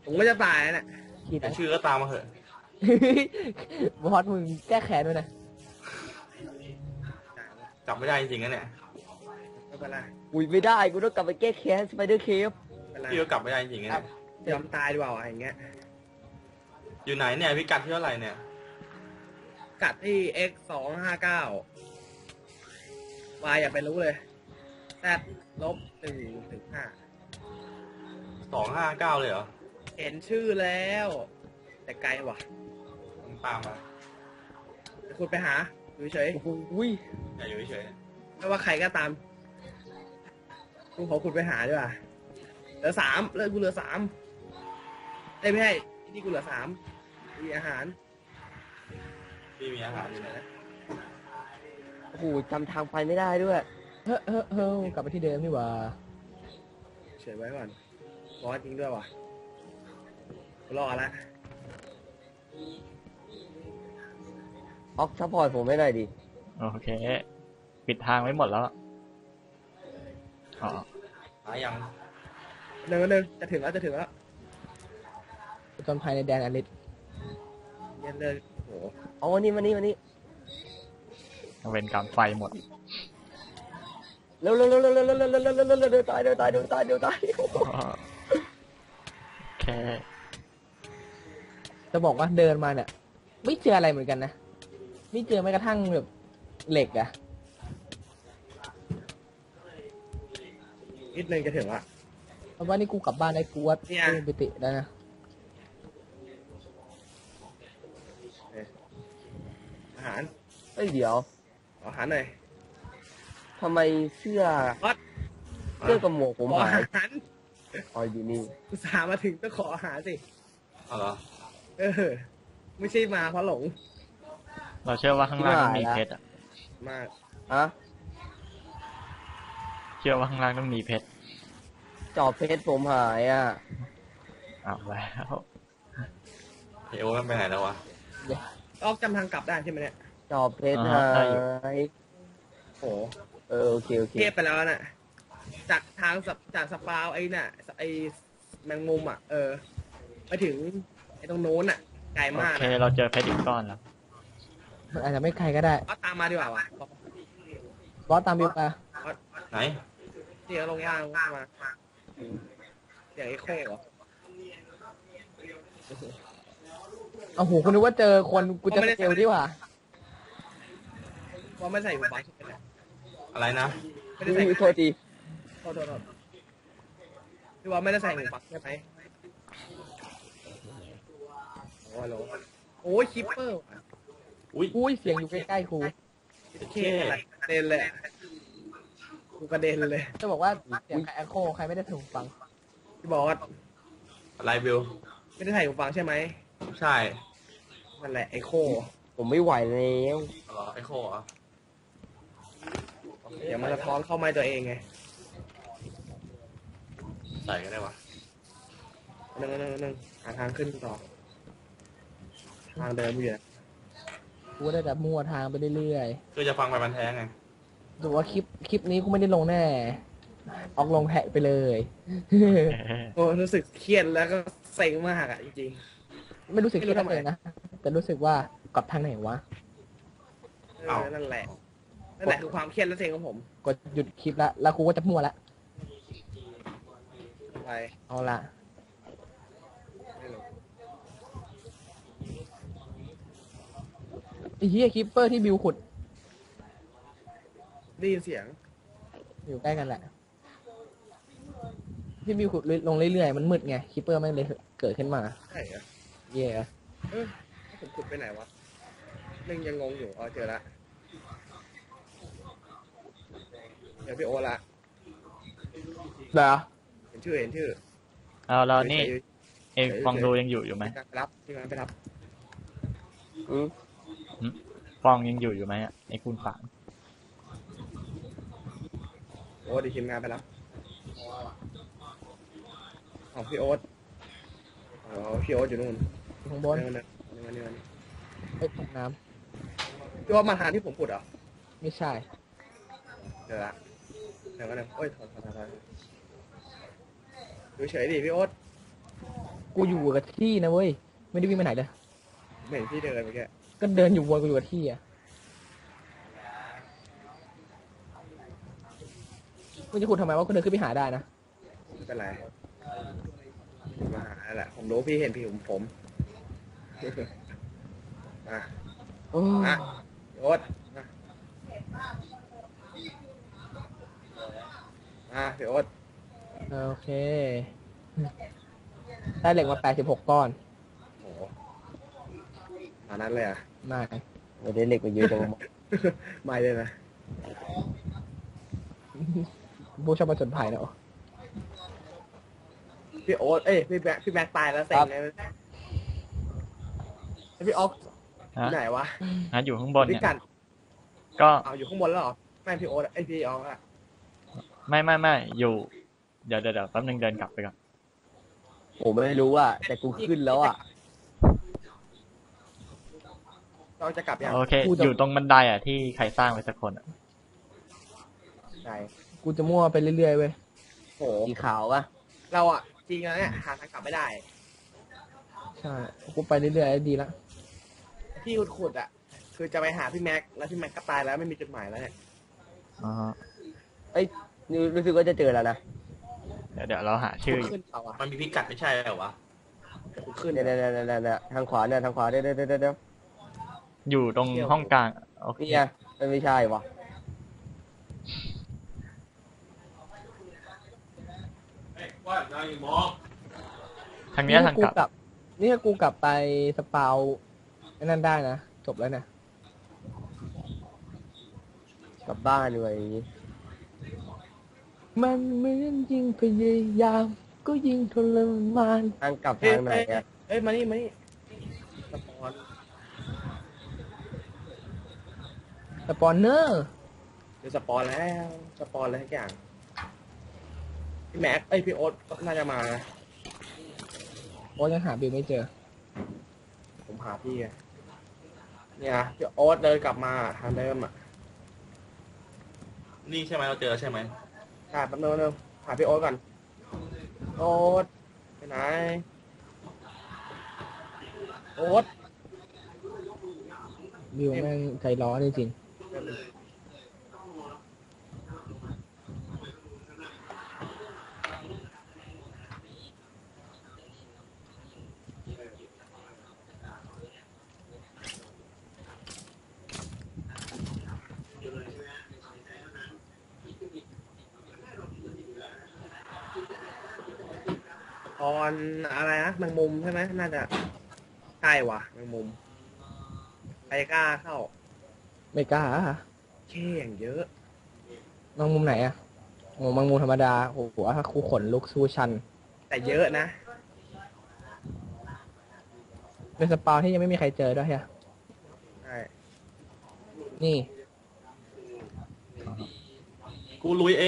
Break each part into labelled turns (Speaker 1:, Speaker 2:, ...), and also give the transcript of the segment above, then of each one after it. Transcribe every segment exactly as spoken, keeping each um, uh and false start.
Speaker 1: ผมก็จะตายนะ
Speaker 2: คิด
Speaker 3: แต่ชื่อก็ตามมาเถอะ
Speaker 2: บอสมึงแก้แค้นด้วยนะ
Speaker 3: จับไม่ได้จริงๆนะเนี่ย
Speaker 1: ไม่เป็นไร
Speaker 4: อุ้ยไม่ได้กูต้องกลับไปแก้แค้นสไปเดอร์เคฟ
Speaker 1: ไม่เป็นไร
Speaker 3: พี่ก็กลับไม่ได้จริงๆนะเนี่ย
Speaker 1: ยอมตายดีกว่าอะไรอย่างเงี้ย
Speaker 3: อยู่ไหนเนี่ยพี่กัดที่เท่าไหร่เนี่ย
Speaker 1: กัดที่ x สองห้าเก้า y อย่าไปรู้เลย z ลบหนึ่งถึงห้า
Speaker 3: สองห้าเก้าเลยเหรอ
Speaker 1: เห็นชื่อแล้ว แต่ไกลว่ะ
Speaker 3: มันตามมา
Speaker 1: เดี๋ยวคุณไปหาอยู่เฉย
Speaker 4: อุ้ย
Speaker 3: อย่าอยู่เฉย
Speaker 1: ไม่ว่าใครก็ตามกูขอคุณไปหาดีกว่าเหลือสามเลิกกูเหลือสามเอ้ยไม่ใช่ที่นี่กูเหลือสามมีอาหาร
Speaker 3: ๆพี่มีอาหารอยู่ไหนนะ
Speaker 4: โอ้โหจำทางไปไม่ได้ด้วย
Speaker 2: เฮ้อเฮ้อเฮ้อกลับไปที่เดิมนี่หว่า
Speaker 1: เฉยไว้ก่อนร้อนจริงด้วยว่ะกูรอละ
Speaker 4: ออกซัพพอร์ตผมไม่ได้ดิ
Speaker 5: โอเค ปิดทางไว้หมดแล้วอ๋อ
Speaker 3: หายัง
Speaker 1: หนึ่งหนึ่งจะถึงแล้วจะถึงแล้ว
Speaker 2: จนภายในแดนอลิส
Speaker 1: เย็นเลยโห
Speaker 4: เอาวันนี้วันนี้วันนี้
Speaker 5: เวนกรรมไฟหมด
Speaker 4: เร็วเร็วเร็วเร็วเร็วเร็วเร็วเร็วเร็วเร็วเร็วเดี๋ยวตายเดี๋ยวตายเดี๋ยวตายเดี๋ยวตาย
Speaker 5: โอเค
Speaker 2: จะบอกว่าเดินมาเนี่ยไม่เจออะไรเหมือนกันนะไม่เจอแม้กระทั่งแบบเหล็กอะ
Speaker 1: นิดนึงจะถึงละ
Speaker 2: เพราะว่านี่กูกลับบ้านได้กูว่า
Speaker 1: เนี่ย
Speaker 2: กูไปติแล้วนะ
Speaker 1: อาหาร
Speaker 4: เอ้ยเดี๋ยว
Speaker 1: อาหารหน่อย
Speaker 4: ทำไมเสื้อ
Speaker 1: วัด
Speaker 4: เสื้อกับหมวกผม
Speaker 1: ขอ
Speaker 4: หา
Speaker 1: อาย หาร
Speaker 4: อ๋ออยู่นี่
Speaker 1: อุตส่าห์มาถึงต้องขออาหารสิ
Speaker 3: เอาเหรอ
Speaker 1: เออไม่ใช่มาเพราะหลง
Speaker 5: เราเชื่อว่าข้างล่างต้องมีเพชรอะ
Speaker 1: มาก
Speaker 4: อะ
Speaker 5: เชื่อว่าข้างล่างต้องมีเพชร
Speaker 4: จอบเพชรผมหายอ่ะ
Speaker 5: เอาแล้ว
Speaker 3: เฮ้ยโอ้มันไปไหนแล้ววะ
Speaker 1: ออกจำทางกลับได้ใช่ไหมเนี่ย
Speaker 4: จอบเพชรหาย
Speaker 1: โห
Speaker 4: เออโอเคโอเค
Speaker 1: เทียบไปแล้วน่ะจากทางสับจากสปาวไอ้น่ะไอ้แมงมุมอ่ะเออไปถึงไอ้ตรงโน้นอ่ะไกล
Speaker 5: โอ
Speaker 1: มาก
Speaker 5: เค เราเจอเพชรอีกก้อนแล้ว
Speaker 2: มันอาจจะไม่ไกลก็ได้
Speaker 1: ก็ตามมาดีกว่าวะ
Speaker 2: บอสตามบิวมา
Speaker 3: ไหน
Speaker 1: เสียงลงย่างลงมาเสียงไอ้โค้เหรอ
Speaker 2: เอาหูคุณนึกว่าเจอคนกูจะเจอดีกว่า
Speaker 1: ว่าไม่ใส่หูฟังใช่ไหมเนี่ย
Speaker 3: อะไรนะ
Speaker 1: ไม่ได้ใส่
Speaker 4: อุ้ยโทษที
Speaker 1: โทษโทษโทษพี่ว่าไม่ได้ใส่หูฟังใช่ไหมโอ้โหโอ้ยคิปเปอร์ว่ะ
Speaker 3: อุ้ย
Speaker 2: อุ้ยเสียงอยู่ใกล้ๆครู
Speaker 1: เคอะไรกระเด็นเลยอะกูกระเด็นเลย
Speaker 2: จะบอกว่าเสียงใครแอคโคใครไม่ได้ถูกฟัง
Speaker 1: พี่บอส
Speaker 3: อะไรบิว
Speaker 1: ไม่ได้ใส่หูฟังใช่ไหม
Speaker 3: ใช่
Speaker 1: นั่นแหละไอโค
Speaker 4: ผมไม่ไหวแล้ว
Speaker 3: เอาเหรอไอโคเหรอ
Speaker 1: เดี๋ยวมันจะท้อนเข้าไม้ตัวเองไง
Speaker 3: ใส่ก็ได้วะ
Speaker 1: หนึ่งหนึ่งหนึ่งหาทางขึ้นต่อ ทางเดิมอยู่นะ
Speaker 2: กูได้แต่มั่วทางไปเรื่อย
Speaker 3: คือจะฟังไปมันแท้ไง
Speaker 2: ๆดูว่าคลิปคลิปนี้กูไม่ได้ลงแน่ออกลงแท็กไปเลย
Speaker 1: โอ้รู้สึกเครียดแล้วก็เซ็งมากอ่ะจริง
Speaker 2: ไม่รู้สึกคิดอะไรนะแต่รู้สึกว่ากลับทางไหนวะ
Speaker 1: ๆเออนั่นแหละ นั่นแหละคือความเครียดและเซ็งของผม
Speaker 2: กดหยุดคลิปละแล้วกูก็จะมั่วละ
Speaker 1: ไป
Speaker 2: เอาละ
Speaker 1: ไม่รู้
Speaker 2: ไอ้เหี้ยคลิปเปอร์ที่บิวขุด
Speaker 1: ได้ยินเสียง
Speaker 2: อยู่ใกล้กันแหละ ที่บิวขุดลงเรื่อยๆมันมืดไงคลิปเปอร์ไม่เลยเกิดขึ้นมา
Speaker 1: ใช่เหรอ
Speaker 2: เย่
Speaker 1: เออผมขุดไปไหนวะนึงยังงงอยู่อ๋อเจอละเดี๋ยวพี่โอละ
Speaker 2: เหรอ
Speaker 1: เห็นชื่อเห็นชื่อ
Speaker 5: เอาแล้วนี่
Speaker 1: เฉย
Speaker 5: เองฟองดูยังอยู่อยู่ไหม
Speaker 1: ๆไปรับที่งานไปรับ
Speaker 4: อืม
Speaker 5: ฟองยังอยู่อยู่ไหมอะไอ้คุณฝาง
Speaker 1: โอ้ดีทีมงานไปรับอ๋อพี่โอ๊ตอ๋อพี่โอ๊ตอยู่นู่น
Speaker 2: อยู่ข้างบน
Speaker 1: เนื้อเนื้อเนื้อเนื้อ
Speaker 2: ไอ้ยตกน้
Speaker 1: พี่โอ๊ตมาทานที่ผมขุดเหรอ
Speaker 2: ำไม่ใช่
Speaker 1: เดี๋ยวละเดี๋ยวกันนะโอ้ยถอนถอนถอนถอนดูเฉยดิพี่โอ๊ต
Speaker 2: กูอยู่กับที่นะเว้ยไม่ได้วิ่งไปไหนเลย
Speaker 1: เหม็นที่เดินเมื่อกี้
Speaker 2: ก็เดินอยู่วนกูอยู่กับที่อ่ะมึงจะขุดทำไมวะกูเดินขึ้นไปหาได้นะ
Speaker 1: ไม่เป็นไรมาหาแหละผมรู้พี่เห็นพี่ผมผมมา
Speaker 2: โอ้
Speaker 1: อ่ะโอ๊ตมาอ่ะพี่โอ๊ต
Speaker 2: โอเคได้เหล็กมาแปดสิบหกก้อน
Speaker 1: โอ้โหตอนนั้นเลยอ่ะ
Speaker 2: มา
Speaker 4: เดี๋ยวได้เหล็กมาเยอะจังวะ
Speaker 1: ไม่เลยนะ
Speaker 2: ผู้ชอบมาจนภัยนะโอ้
Speaker 1: พี่โอ๊ตเอ้ยพี่แบ็คพี่แบ็คตายแล้วเซ็งเลยแล้วพี่ออก
Speaker 5: ฮะ
Speaker 1: ไหนวะ
Speaker 5: ฮะอยู่ข้างบน
Speaker 1: พี่
Speaker 5: เนี่ย
Speaker 1: กัน
Speaker 5: ก็
Speaker 1: เอาอยู่ข้างบนแล้วเหรอไม่พี่โอ๊ตไอยพี่ออกอะ
Speaker 5: ไม่ไม่ไม่อยู่ เดี๋ยวเดี๋ยวเดี๋ยวแป๊บนึงเดินกลับไปก่อน
Speaker 4: ผมไม่รู้อ่ะแต่กูขึ้นแล้วอ่ะ
Speaker 1: เราจะกลับยัง
Speaker 5: โอเค อยู่ตรงบันไดอ่ะที่ใครสร้างไว้สักคนอ่ะ
Speaker 1: ไหน
Speaker 2: กูจะมั่วไปเรื่อยๆเว้ย
Speaker 1: โห
Speaker 4: สีขาวอ่ะ
Speaker 1: เราอะจริงแล้วเนี่ยหาทางกลับไม่ได้
Speaker 2: ใช่กูไปเรื่อยๆดีละ
Speaker 1: ที่ขุดๆอะคือจะไปหาพี่แม็กแล้วพี่แม็กก็ตายแล้วไม่มีจุดหมายแล้วเนี่ย
Speaker 5: อ๋อ
Speaker 4: เอ้ยนี่รู้สึกว่าจะเจอแล้วนะ
Speaker 5: เดี๋ยวเดี๋ยวเราหาชื่ออยู่
Speaker 1: ขึ้นเขาอะ
Speaker 3: มันมีพิกัดไม่ใช่เหรอวะ
Speaker 1: ขุดขึ้น
Speaker 4: เนี่ยเนี่ยเนี่ยเนี่ยเนี่ยทางขวาเนี่ยทางขวาเดี๋ยวเดี๋ยวเดี๋ยวเดี๋ยว
Speaker 5: อยู่ตรงห้องกลางโอเค
Speaker 4: นี่ไงมันไม่ใช่วะ
Speaker 5: ทางเนี้ยทาง
Speaker 2: กู
Speaker 5: กลับ
Speaker 2: กลับ นี่ถ้ากูกลับไปสปาวไอ้นั่นได้นะจบแล้วนะ
Speaker 4: กลับบ้านเลย
Speaker 2: มันเหมือนยิ่งพยายาม ก็ยิ่งทรมาน
Speaker 4: ทางกลับ
Speaker 1: เฮ้ย
Speaker 4: ทางไหน
Speaker 1: เฮ้ย
Speaker 4: อ่ะ
Speaker 1: เอ้ยมานี่มานี่สปอน
Speaker 2: สปอนเนอร์
Speaker 1: เดี๋ยวสปอนแล้วสปอนอะไรทุกอย่างพี่แม็กเอ้ยพี่โอ๊ตก็น่าจะมานะ
Speaker 2: โอ้ยังหาบิลไม่เจอ
Speaker 1: ผมหาพี่ไงเนี่ยพี่โอ๊ตเดินกลับมาทางเดิมอะ
Speaker 3: นี่ใช่ไหมเราเจอใช่ไหม
Speaker 1: ใช่แป๊บนึงแป๊บนึงหาพี่โอ๊ตก่อนโอ๊ตไปไหนโอ๊ต
Speaker 2: บิลแม่งใจร้อนจริง
Speaker 1: ตอนอะไรนะแมงมุมใช่ไหมน่าจะใช่ว่ะแมงมุมใครกล้าเข้า
Speaker 2: ๆไม่กล้า
Speaker 1: เช่อย่างเยอะ
Speaker 2: มองมุมไหนอะโอ้มองมุมธรรมดาโอ้โหถ้าคูขนลุกสู้ชัน
Speaker 1: แต่เยอะนะ
Speaker 2: เป็นสปาวที่ยังไม่มีใครเจอด้วยฮะ
Speaker 1: ใช่
Speaker 2: นี่
Speaker 3: กูลุยเอง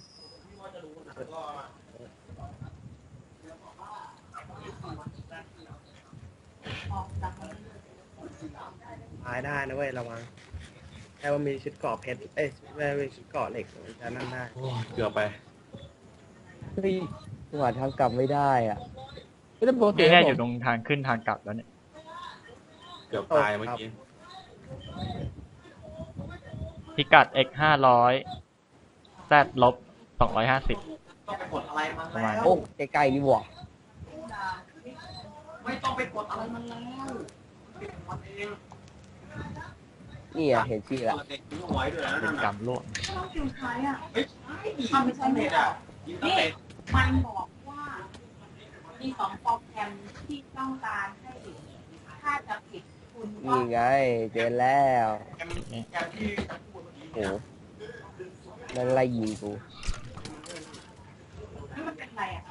Speaker 1: ตายได้นะเว้ยระวังแค่ว่ามีชุดเกราะเพชรเอ้ยไม่มีชุดเกราะเหล็กมันจะนั่นได้
Speaker 3: โอ้ยเกือบไป
Speaker 4: เฮ้ยหาทางกลับไม่ได้อ่ะ
Speaker 2: ไม่ได้ปกติ
Speaker 5: นี่แน่
Speaker 2: ผม
Speaker 5: อยู่ตรงทางขึ้นทางกลับแล้วเนี่ย
Speaker 3: เกือบตายเมื่อกี้
Speaker 5: พิกัด x ห้าร้อย z ลบสองร้อยห้าสิบประมาณ
Speaker 4: โอ้ใกล้ๆนี่หว่า
Speaker 6: ไม่ต้องไปกดอะไรมันแล้ว
Speaker 4: นี่อ่ะเห็นชื่อละ
Speaker 6: เด็กทิ้งเอาไว้ด้วยนะ
Speaker 5: เป็
Speaker 6: นั่
Speaker 5: น
Speaker 6: น
Speaker 5: กร
Speaker 6: น่ะ
Speaker 5: รมร่วม
Speaker 6: ต้องคิวใช้อ่ะทำไม่ใช่ไม่ได้นี่มันบอกว่ามีสองโปรแกรมที่ต้องการให้ถ้าจะผิดคุณก็
Speaker 4: นี่ไงเจอแล้วโอ้นั่งไล่ยิงกู
Speaker 6: นี่มันเป็นอะไรอ่ะ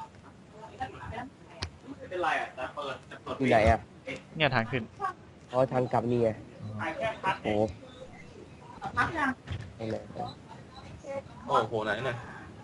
Speaker 3: ไม่เป็นไรอ่ะแต่เปิดแต่เปิด
Speaker 4: อยู่ไหนอ่ะ
Speaker 5: เนี่ยทางขึ้น
Speaker 4: อ๋อทางกลับนี่ไง
Speaker 3: แค่พัด
Speaker 4: โอ้
Speaker 6: พักยัง
Speaker 4: ตรงไหน
Speaker 3: โอ้โหไหนเนี่ย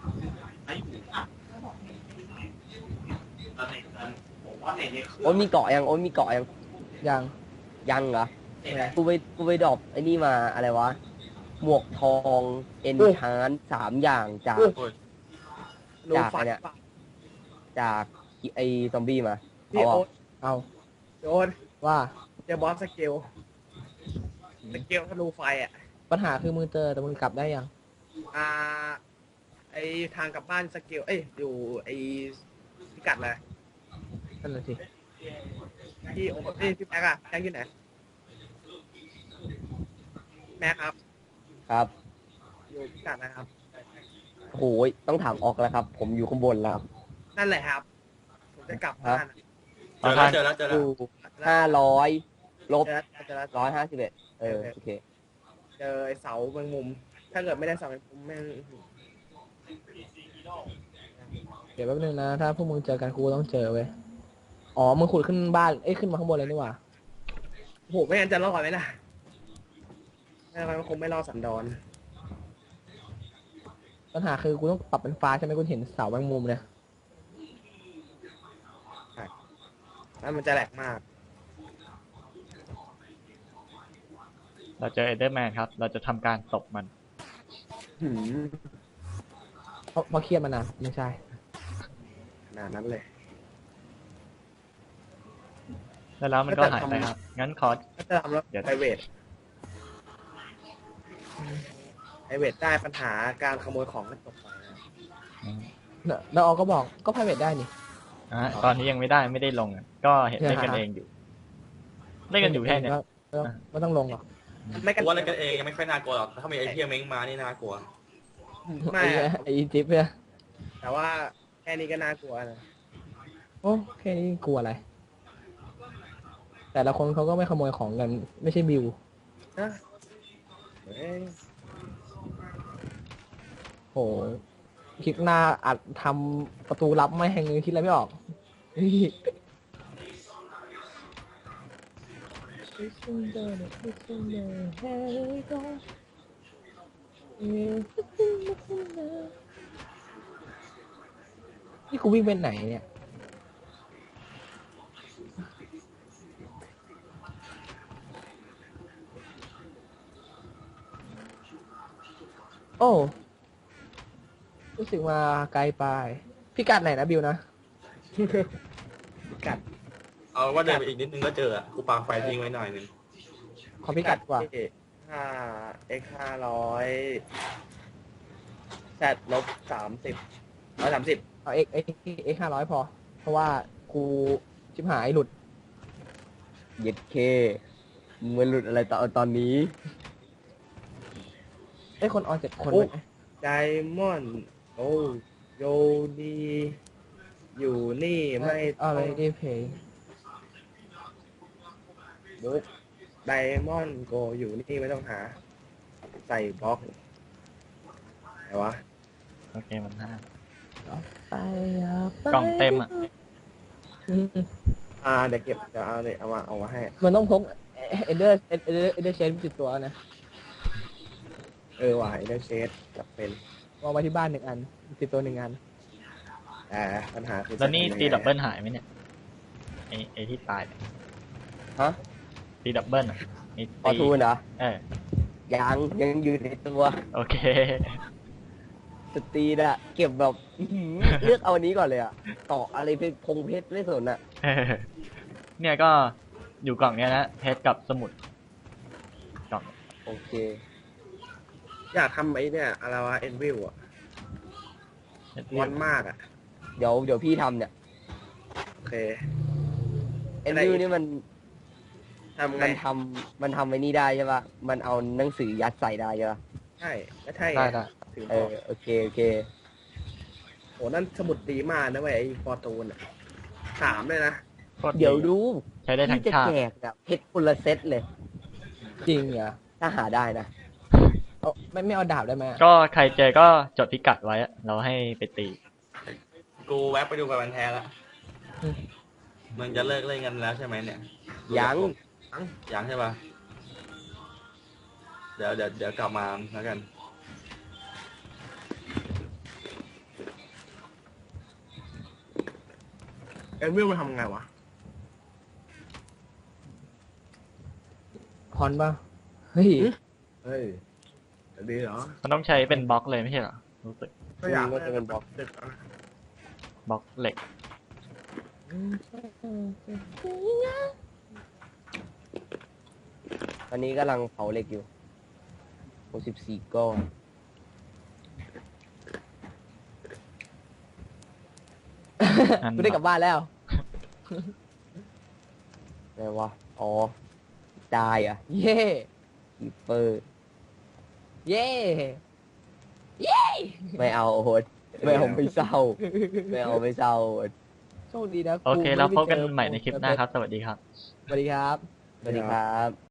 Speaker 4: โอ้ยมีเกาะยังโอ้ยมีเกาะยัง
Speaker 2: ยัง
Speaker 4: ยังเหรอกูไปกูไปดรอปไอ้นี่มาอะไรวะ หมวกทองเอ็นชานสามอย่างจาก
Speaker 3: โอ้ย
Speaker 1: รู
Speaker 4: จาก
Speaker 1: ฟัน
Speaker 4: เนี่ย จากไอ้ซอมบี้มา
Speaker 1: พี่
Speaker 4: เอา
Speaker 1: โอ๊
Speaker 4: อ่ะ
Speaker 1: ต
Speaker 2: เอา
Speaker 1: โอ๊ต
Speaker 2: ว่า
Speaker 1: เจอบอสสเกลสเกลธนูไฟอ่ะ
Speaker 2: ปัญหาคือมึงเจอแต่มึงกลับได้ยัง
Speaker 1: อ่า ไอทางกลับบ้านสเกล เอ้ย อยู่ไอพิกัดเลย
Speaker 2: นั่นแหละสิ
Speaker 1: พี่โอ๊ตพี่พี่แม็กอะแม็กอยู่ไหน แม็กครับ
Speaker 4: ครับ
Speaker 1: อยู่พิกัดนะครับ
Speaker 4: โหยต้องถามออกแล้วครับ ผมอยู่ข้างบนแล้วครับ
Speaker 1: นั่นแหละครับ ผมจะกลับบ้านอะ
Speaker 3: เจอแล้วเจอแล้วเจอ
Speaker 4: อ
Speaker 3: แล้ว
Speaker 4: ยู่ห้าร้อยลบ
Speaker 1: เจอแล้วเจอแล้ว
Speaker 4: ร้อยห้าสิบเอ็ดเออโอเค
Speaker 1: เจอไอ้เสาแมงมุม ถ้าเกิดไม่ได้เสาแมงมุมแม่ง
Speaker 2: เดี๋ยวแป๊บนึงนะ ถ้าพวกมึงเจอกันกูก็ต้องเจอเว้ย อ๋อ มึงขุดขึ้นบ้าน เอ้ย ขึ้นมาข้างบนเลยนี่หว่า
Speaker 1: โอ้โห ไม่งั้นจะรอดไหมล่ะไม่งั้นมันคงไม่รอดสันดอน
Speaker 2: ปัญหาคือกูต้องปรับเป็นฟ้าใช่ไหมกูเห็นเสาแมงมุมเนี่ย
Speaker 1: แล้วมันจะแหลกมาก
Speaker 5: เราเจอเอเดอร์แมนครับ เราจะทำการตบมัน
Speaker 1: หืม
Speaker 2: เพราะเพราะเครียดมานานไม่ใช่
Speaker 1: ขนาดนั้นเลย
Speaker 5: แล้วแล้วมันก็หายไปครับ งั้นขอ
Speaker 1: ก็จะทำแล้ว
Speaker 5: เดี๋ยว
Speaker 1: ไพรเวทไพรเวทได้ปัญหาการขโมยของก็จบไปนะ
Speaker 2: แล้วออก็บอกก็ private ได้นี่
Speaker 5: อ่ะตอนนี้ยังไม่ได้ไม่ได้ลงอ่ะก็เห็นเล่นกันเองอยู่ เล่นกันอยู่แค่เนี้ย
Speaker 2: ก็ก็ไม่ต้องลงหรอก
Speaker 1: ไม่
Speaker 3: กู
Speaker 1: กัน
Speaker 3: ว่าเล่นกันเองยังไม่ค่อยน่ากลัวหรอกถ้ามีไอเทียเม้งมานี่น่ากลัว
Speaker 1: ไม่
Speaker 2: ไอ้
Speaker 1: อะ
Speaker 2: ไอ้จิ๊บเนี่ย
Speaker 1: แต่ว่าแค่นี้ก็น่ากลัวนะ
Speaker 2: โอ้แค่นี้กลัวอะไร แต่ละคนเขาก็ไม่ขโมยของกัน ไม่ใช่บิว
Speaker 1: นะเอ้ย
Speaker 2: โหคิดหน้าอัดทำประตูลับไม่แหงคิดอะไรไม่ออก นี่กูวิ่งไปไหนเนี่ย โอ้รู้สึกมาไกลไปพิกัดไหนนะบิวนะ
Speaker 1: กัด
Speaker 3: เอาว่าเดินไปอีกนิดนึงก็เจออ่ะกูปาไฟทิ้งไว้หน่อยนึง
Speaker 2: ขอพิกัดกว่า
Speaker 1: ห้าเอ็กห้าร้อยแซดลบสามสิบร้อยสามสิบ
Speaker 2: เอาเอ็กเอ็กเอ็กห้าร้อยพอ เพราะว่ากูชิบหายหลุด
Speaker 4: เย็ดเคมึงมันหลุดอะไรตอนตอนนี้
Speaker 2: ไอ้ยคนออนเจ็ดคนไหม
Speaker 1: ไดมอนด์โอ้โยดีอยู่นี่ไม่
Speaker 2: เอา
Speaker 1: ต้
Speaker 2: เล
Speaker 1: อง
Speaker 2: ยดีเพย์
Speaker 1: บุ๊กไดมอนด์โกอยู่นี่ไม่ต้องหา ใส่บล็อกไหนวะ
Speaker 5: โอเคมันห้า
Speaker 2: ไปอ่ะไป
Speaker 5: กล่องเต็มอ่ะ
Speaker 2: อืม
Speaker 1: อ่าเดี๋ยวเก็บเดี๋ยวเอาเลยเอามาเอามาให้
Speaker 2: มันต้องพกเอเดอร์เอเดอร์เอเดอร์เชนติดตัวนะ
Speaker 1: เออว่ะเดอร์เชดจับเป็น
Speaker 2: วางไว้ที่บ้านหนึ่งอัน ติดตัวหนึ่งอัน
Speaker 1: แต่ปัญหาคือ
Speaker 5: แล้วนี่
Speaker 1: จะทำยังไง
Speaker 5: ตีดับเบิลหายไหมเนี่ยไอไอที่ตายเนี่ย
Speaker 4: ฮะ
Speaker 5: ตีดับเบิลอ่ะไอ
Speaker 4: พอ
Speaker 5: ตี
Speaker 4: ทูนเหรอ
Speaker 5: เออ
Speaker 4: ยังยังอยู่ในตัว
Speaker 5: โอเค
Speaker 4: สตรีนอะเก็บแบบอื้อหือเลือกเอาอันนี้ก่อนเลยอะต่ออะไรเป็นพงเพชรไม่สนอะ
Speaker 5: เออเนี่ยก็อยู่กล่องเนี้ยนะเพชรกับสมุดกล่อง
Speaker 4: โอเค
Speaker 1: อยากทำไอ้เนี่ยอะไรวะเอ็นวิวอ่ะ
Speaker 5: เพชร
Speaker 1: ร้อนมากอ่ะ
Speaker 4: เดี๋ยวเดี๋ยวพี่ทำเนี่ย
Speaker 1: โอเค
Speaker 4: เอ็น
Speaker 1: อะไร
Speaker 4: วิ
Speaker 1: อี
Speaker 4: ว
Speaker 1: ก
Speaker 4: นี่มัน
Speaker 1: ทำไง
Speaker 4: มันทำมันทำไอ้นี่ได้ใช่ปะมันเอาหนังสือยัดใส่ได้ใช่ปะ
Speaker 1: ใช่ไม่ใช่
Speaker 2: ได้ได้
Speaker 1: ถึง
Speaker 4: เอ
Speaker 1: บอก
Speaker 4: อโอเคโอเค
Speaker 1: โหนั่นสมุดดีมากนะเว้ยไอ้ฟอร์ตูนอ่ะสามเลยนะ
Speaker 5: โคตร
Speaker 4: เดี๋ยวดู
Speaker 5: ใช้ได้ทั้ง
Speaker 4: พี่จะ
Speaker 5: ชาติ
Speaker 4: แจกอะเพชรคนละเซตเลย
Speaker 2: จริงเหรอ
Speaker 4: ถ้าหาได้นะ
Speaker 2: เอาไม่ไม่เอาดาบได้ไหมอะ
Speaker 5: ก็ใครเจอก็จดพิกัดไว้อะเราให้ไปตี
Speaker 3: กูแวะไปดูกับมันแท้แล้วมันจะเลิกเล่นกันแล้วใช่ไหมเนี่ย
Speaker 4: ยัง
Speaker 3: ยังใช่ปะเดี๋ยวเดี๋ยวเดี๋ยวกลับมาแล้วกัน
Speaker 1: เอ็นวิวมันทำไงวะ
Speaker 2: พรป่ะ เฮ้ย
Speaker 1: เฮ้ยดีเหรอ
Speaker 5: มันต้องใช้เป็นบล็อกเลยไม่ใช่เหรอรู้สึก
Speaker 1: ก็อยาก
Speaker 4: ก็จะเป็นบล็อก
Speaker 1: ดึกแล้วนะ
Speaker 5: บล็อกเหล็ก
Speaker 4: ตอนนี้กำลังเผาเหล็กอยู่หกสิบสี่ก้อน
Speaker 2: กูได้กลับบ้านแล้ว
Speaker 4: อะไรวะ อ๋อ ได้อะ
Speaker 2: เย่
Speaker 4: คีเปอร์
Speaker 2: เย่
Speaker 4: ไม่เอาโอ๊ตไม่เอาไม่เศร้า ไม่เอาไม่เศร้าโอ๊ต
Speaker 2: โชคดีนะ
Speaker 5: โอเค
Speaker 2: กู
Speaker 5: แล้ว
Speaker 2: ไม่
Speaker 5: พบกัน
Speaker 2: เจอ
Speaker 5: ใหม่ในคลิปหน้าครับ สวัสดีครับ
Speaker 2: สวัสดีครับ
Speaker 4: สวัสดีครับ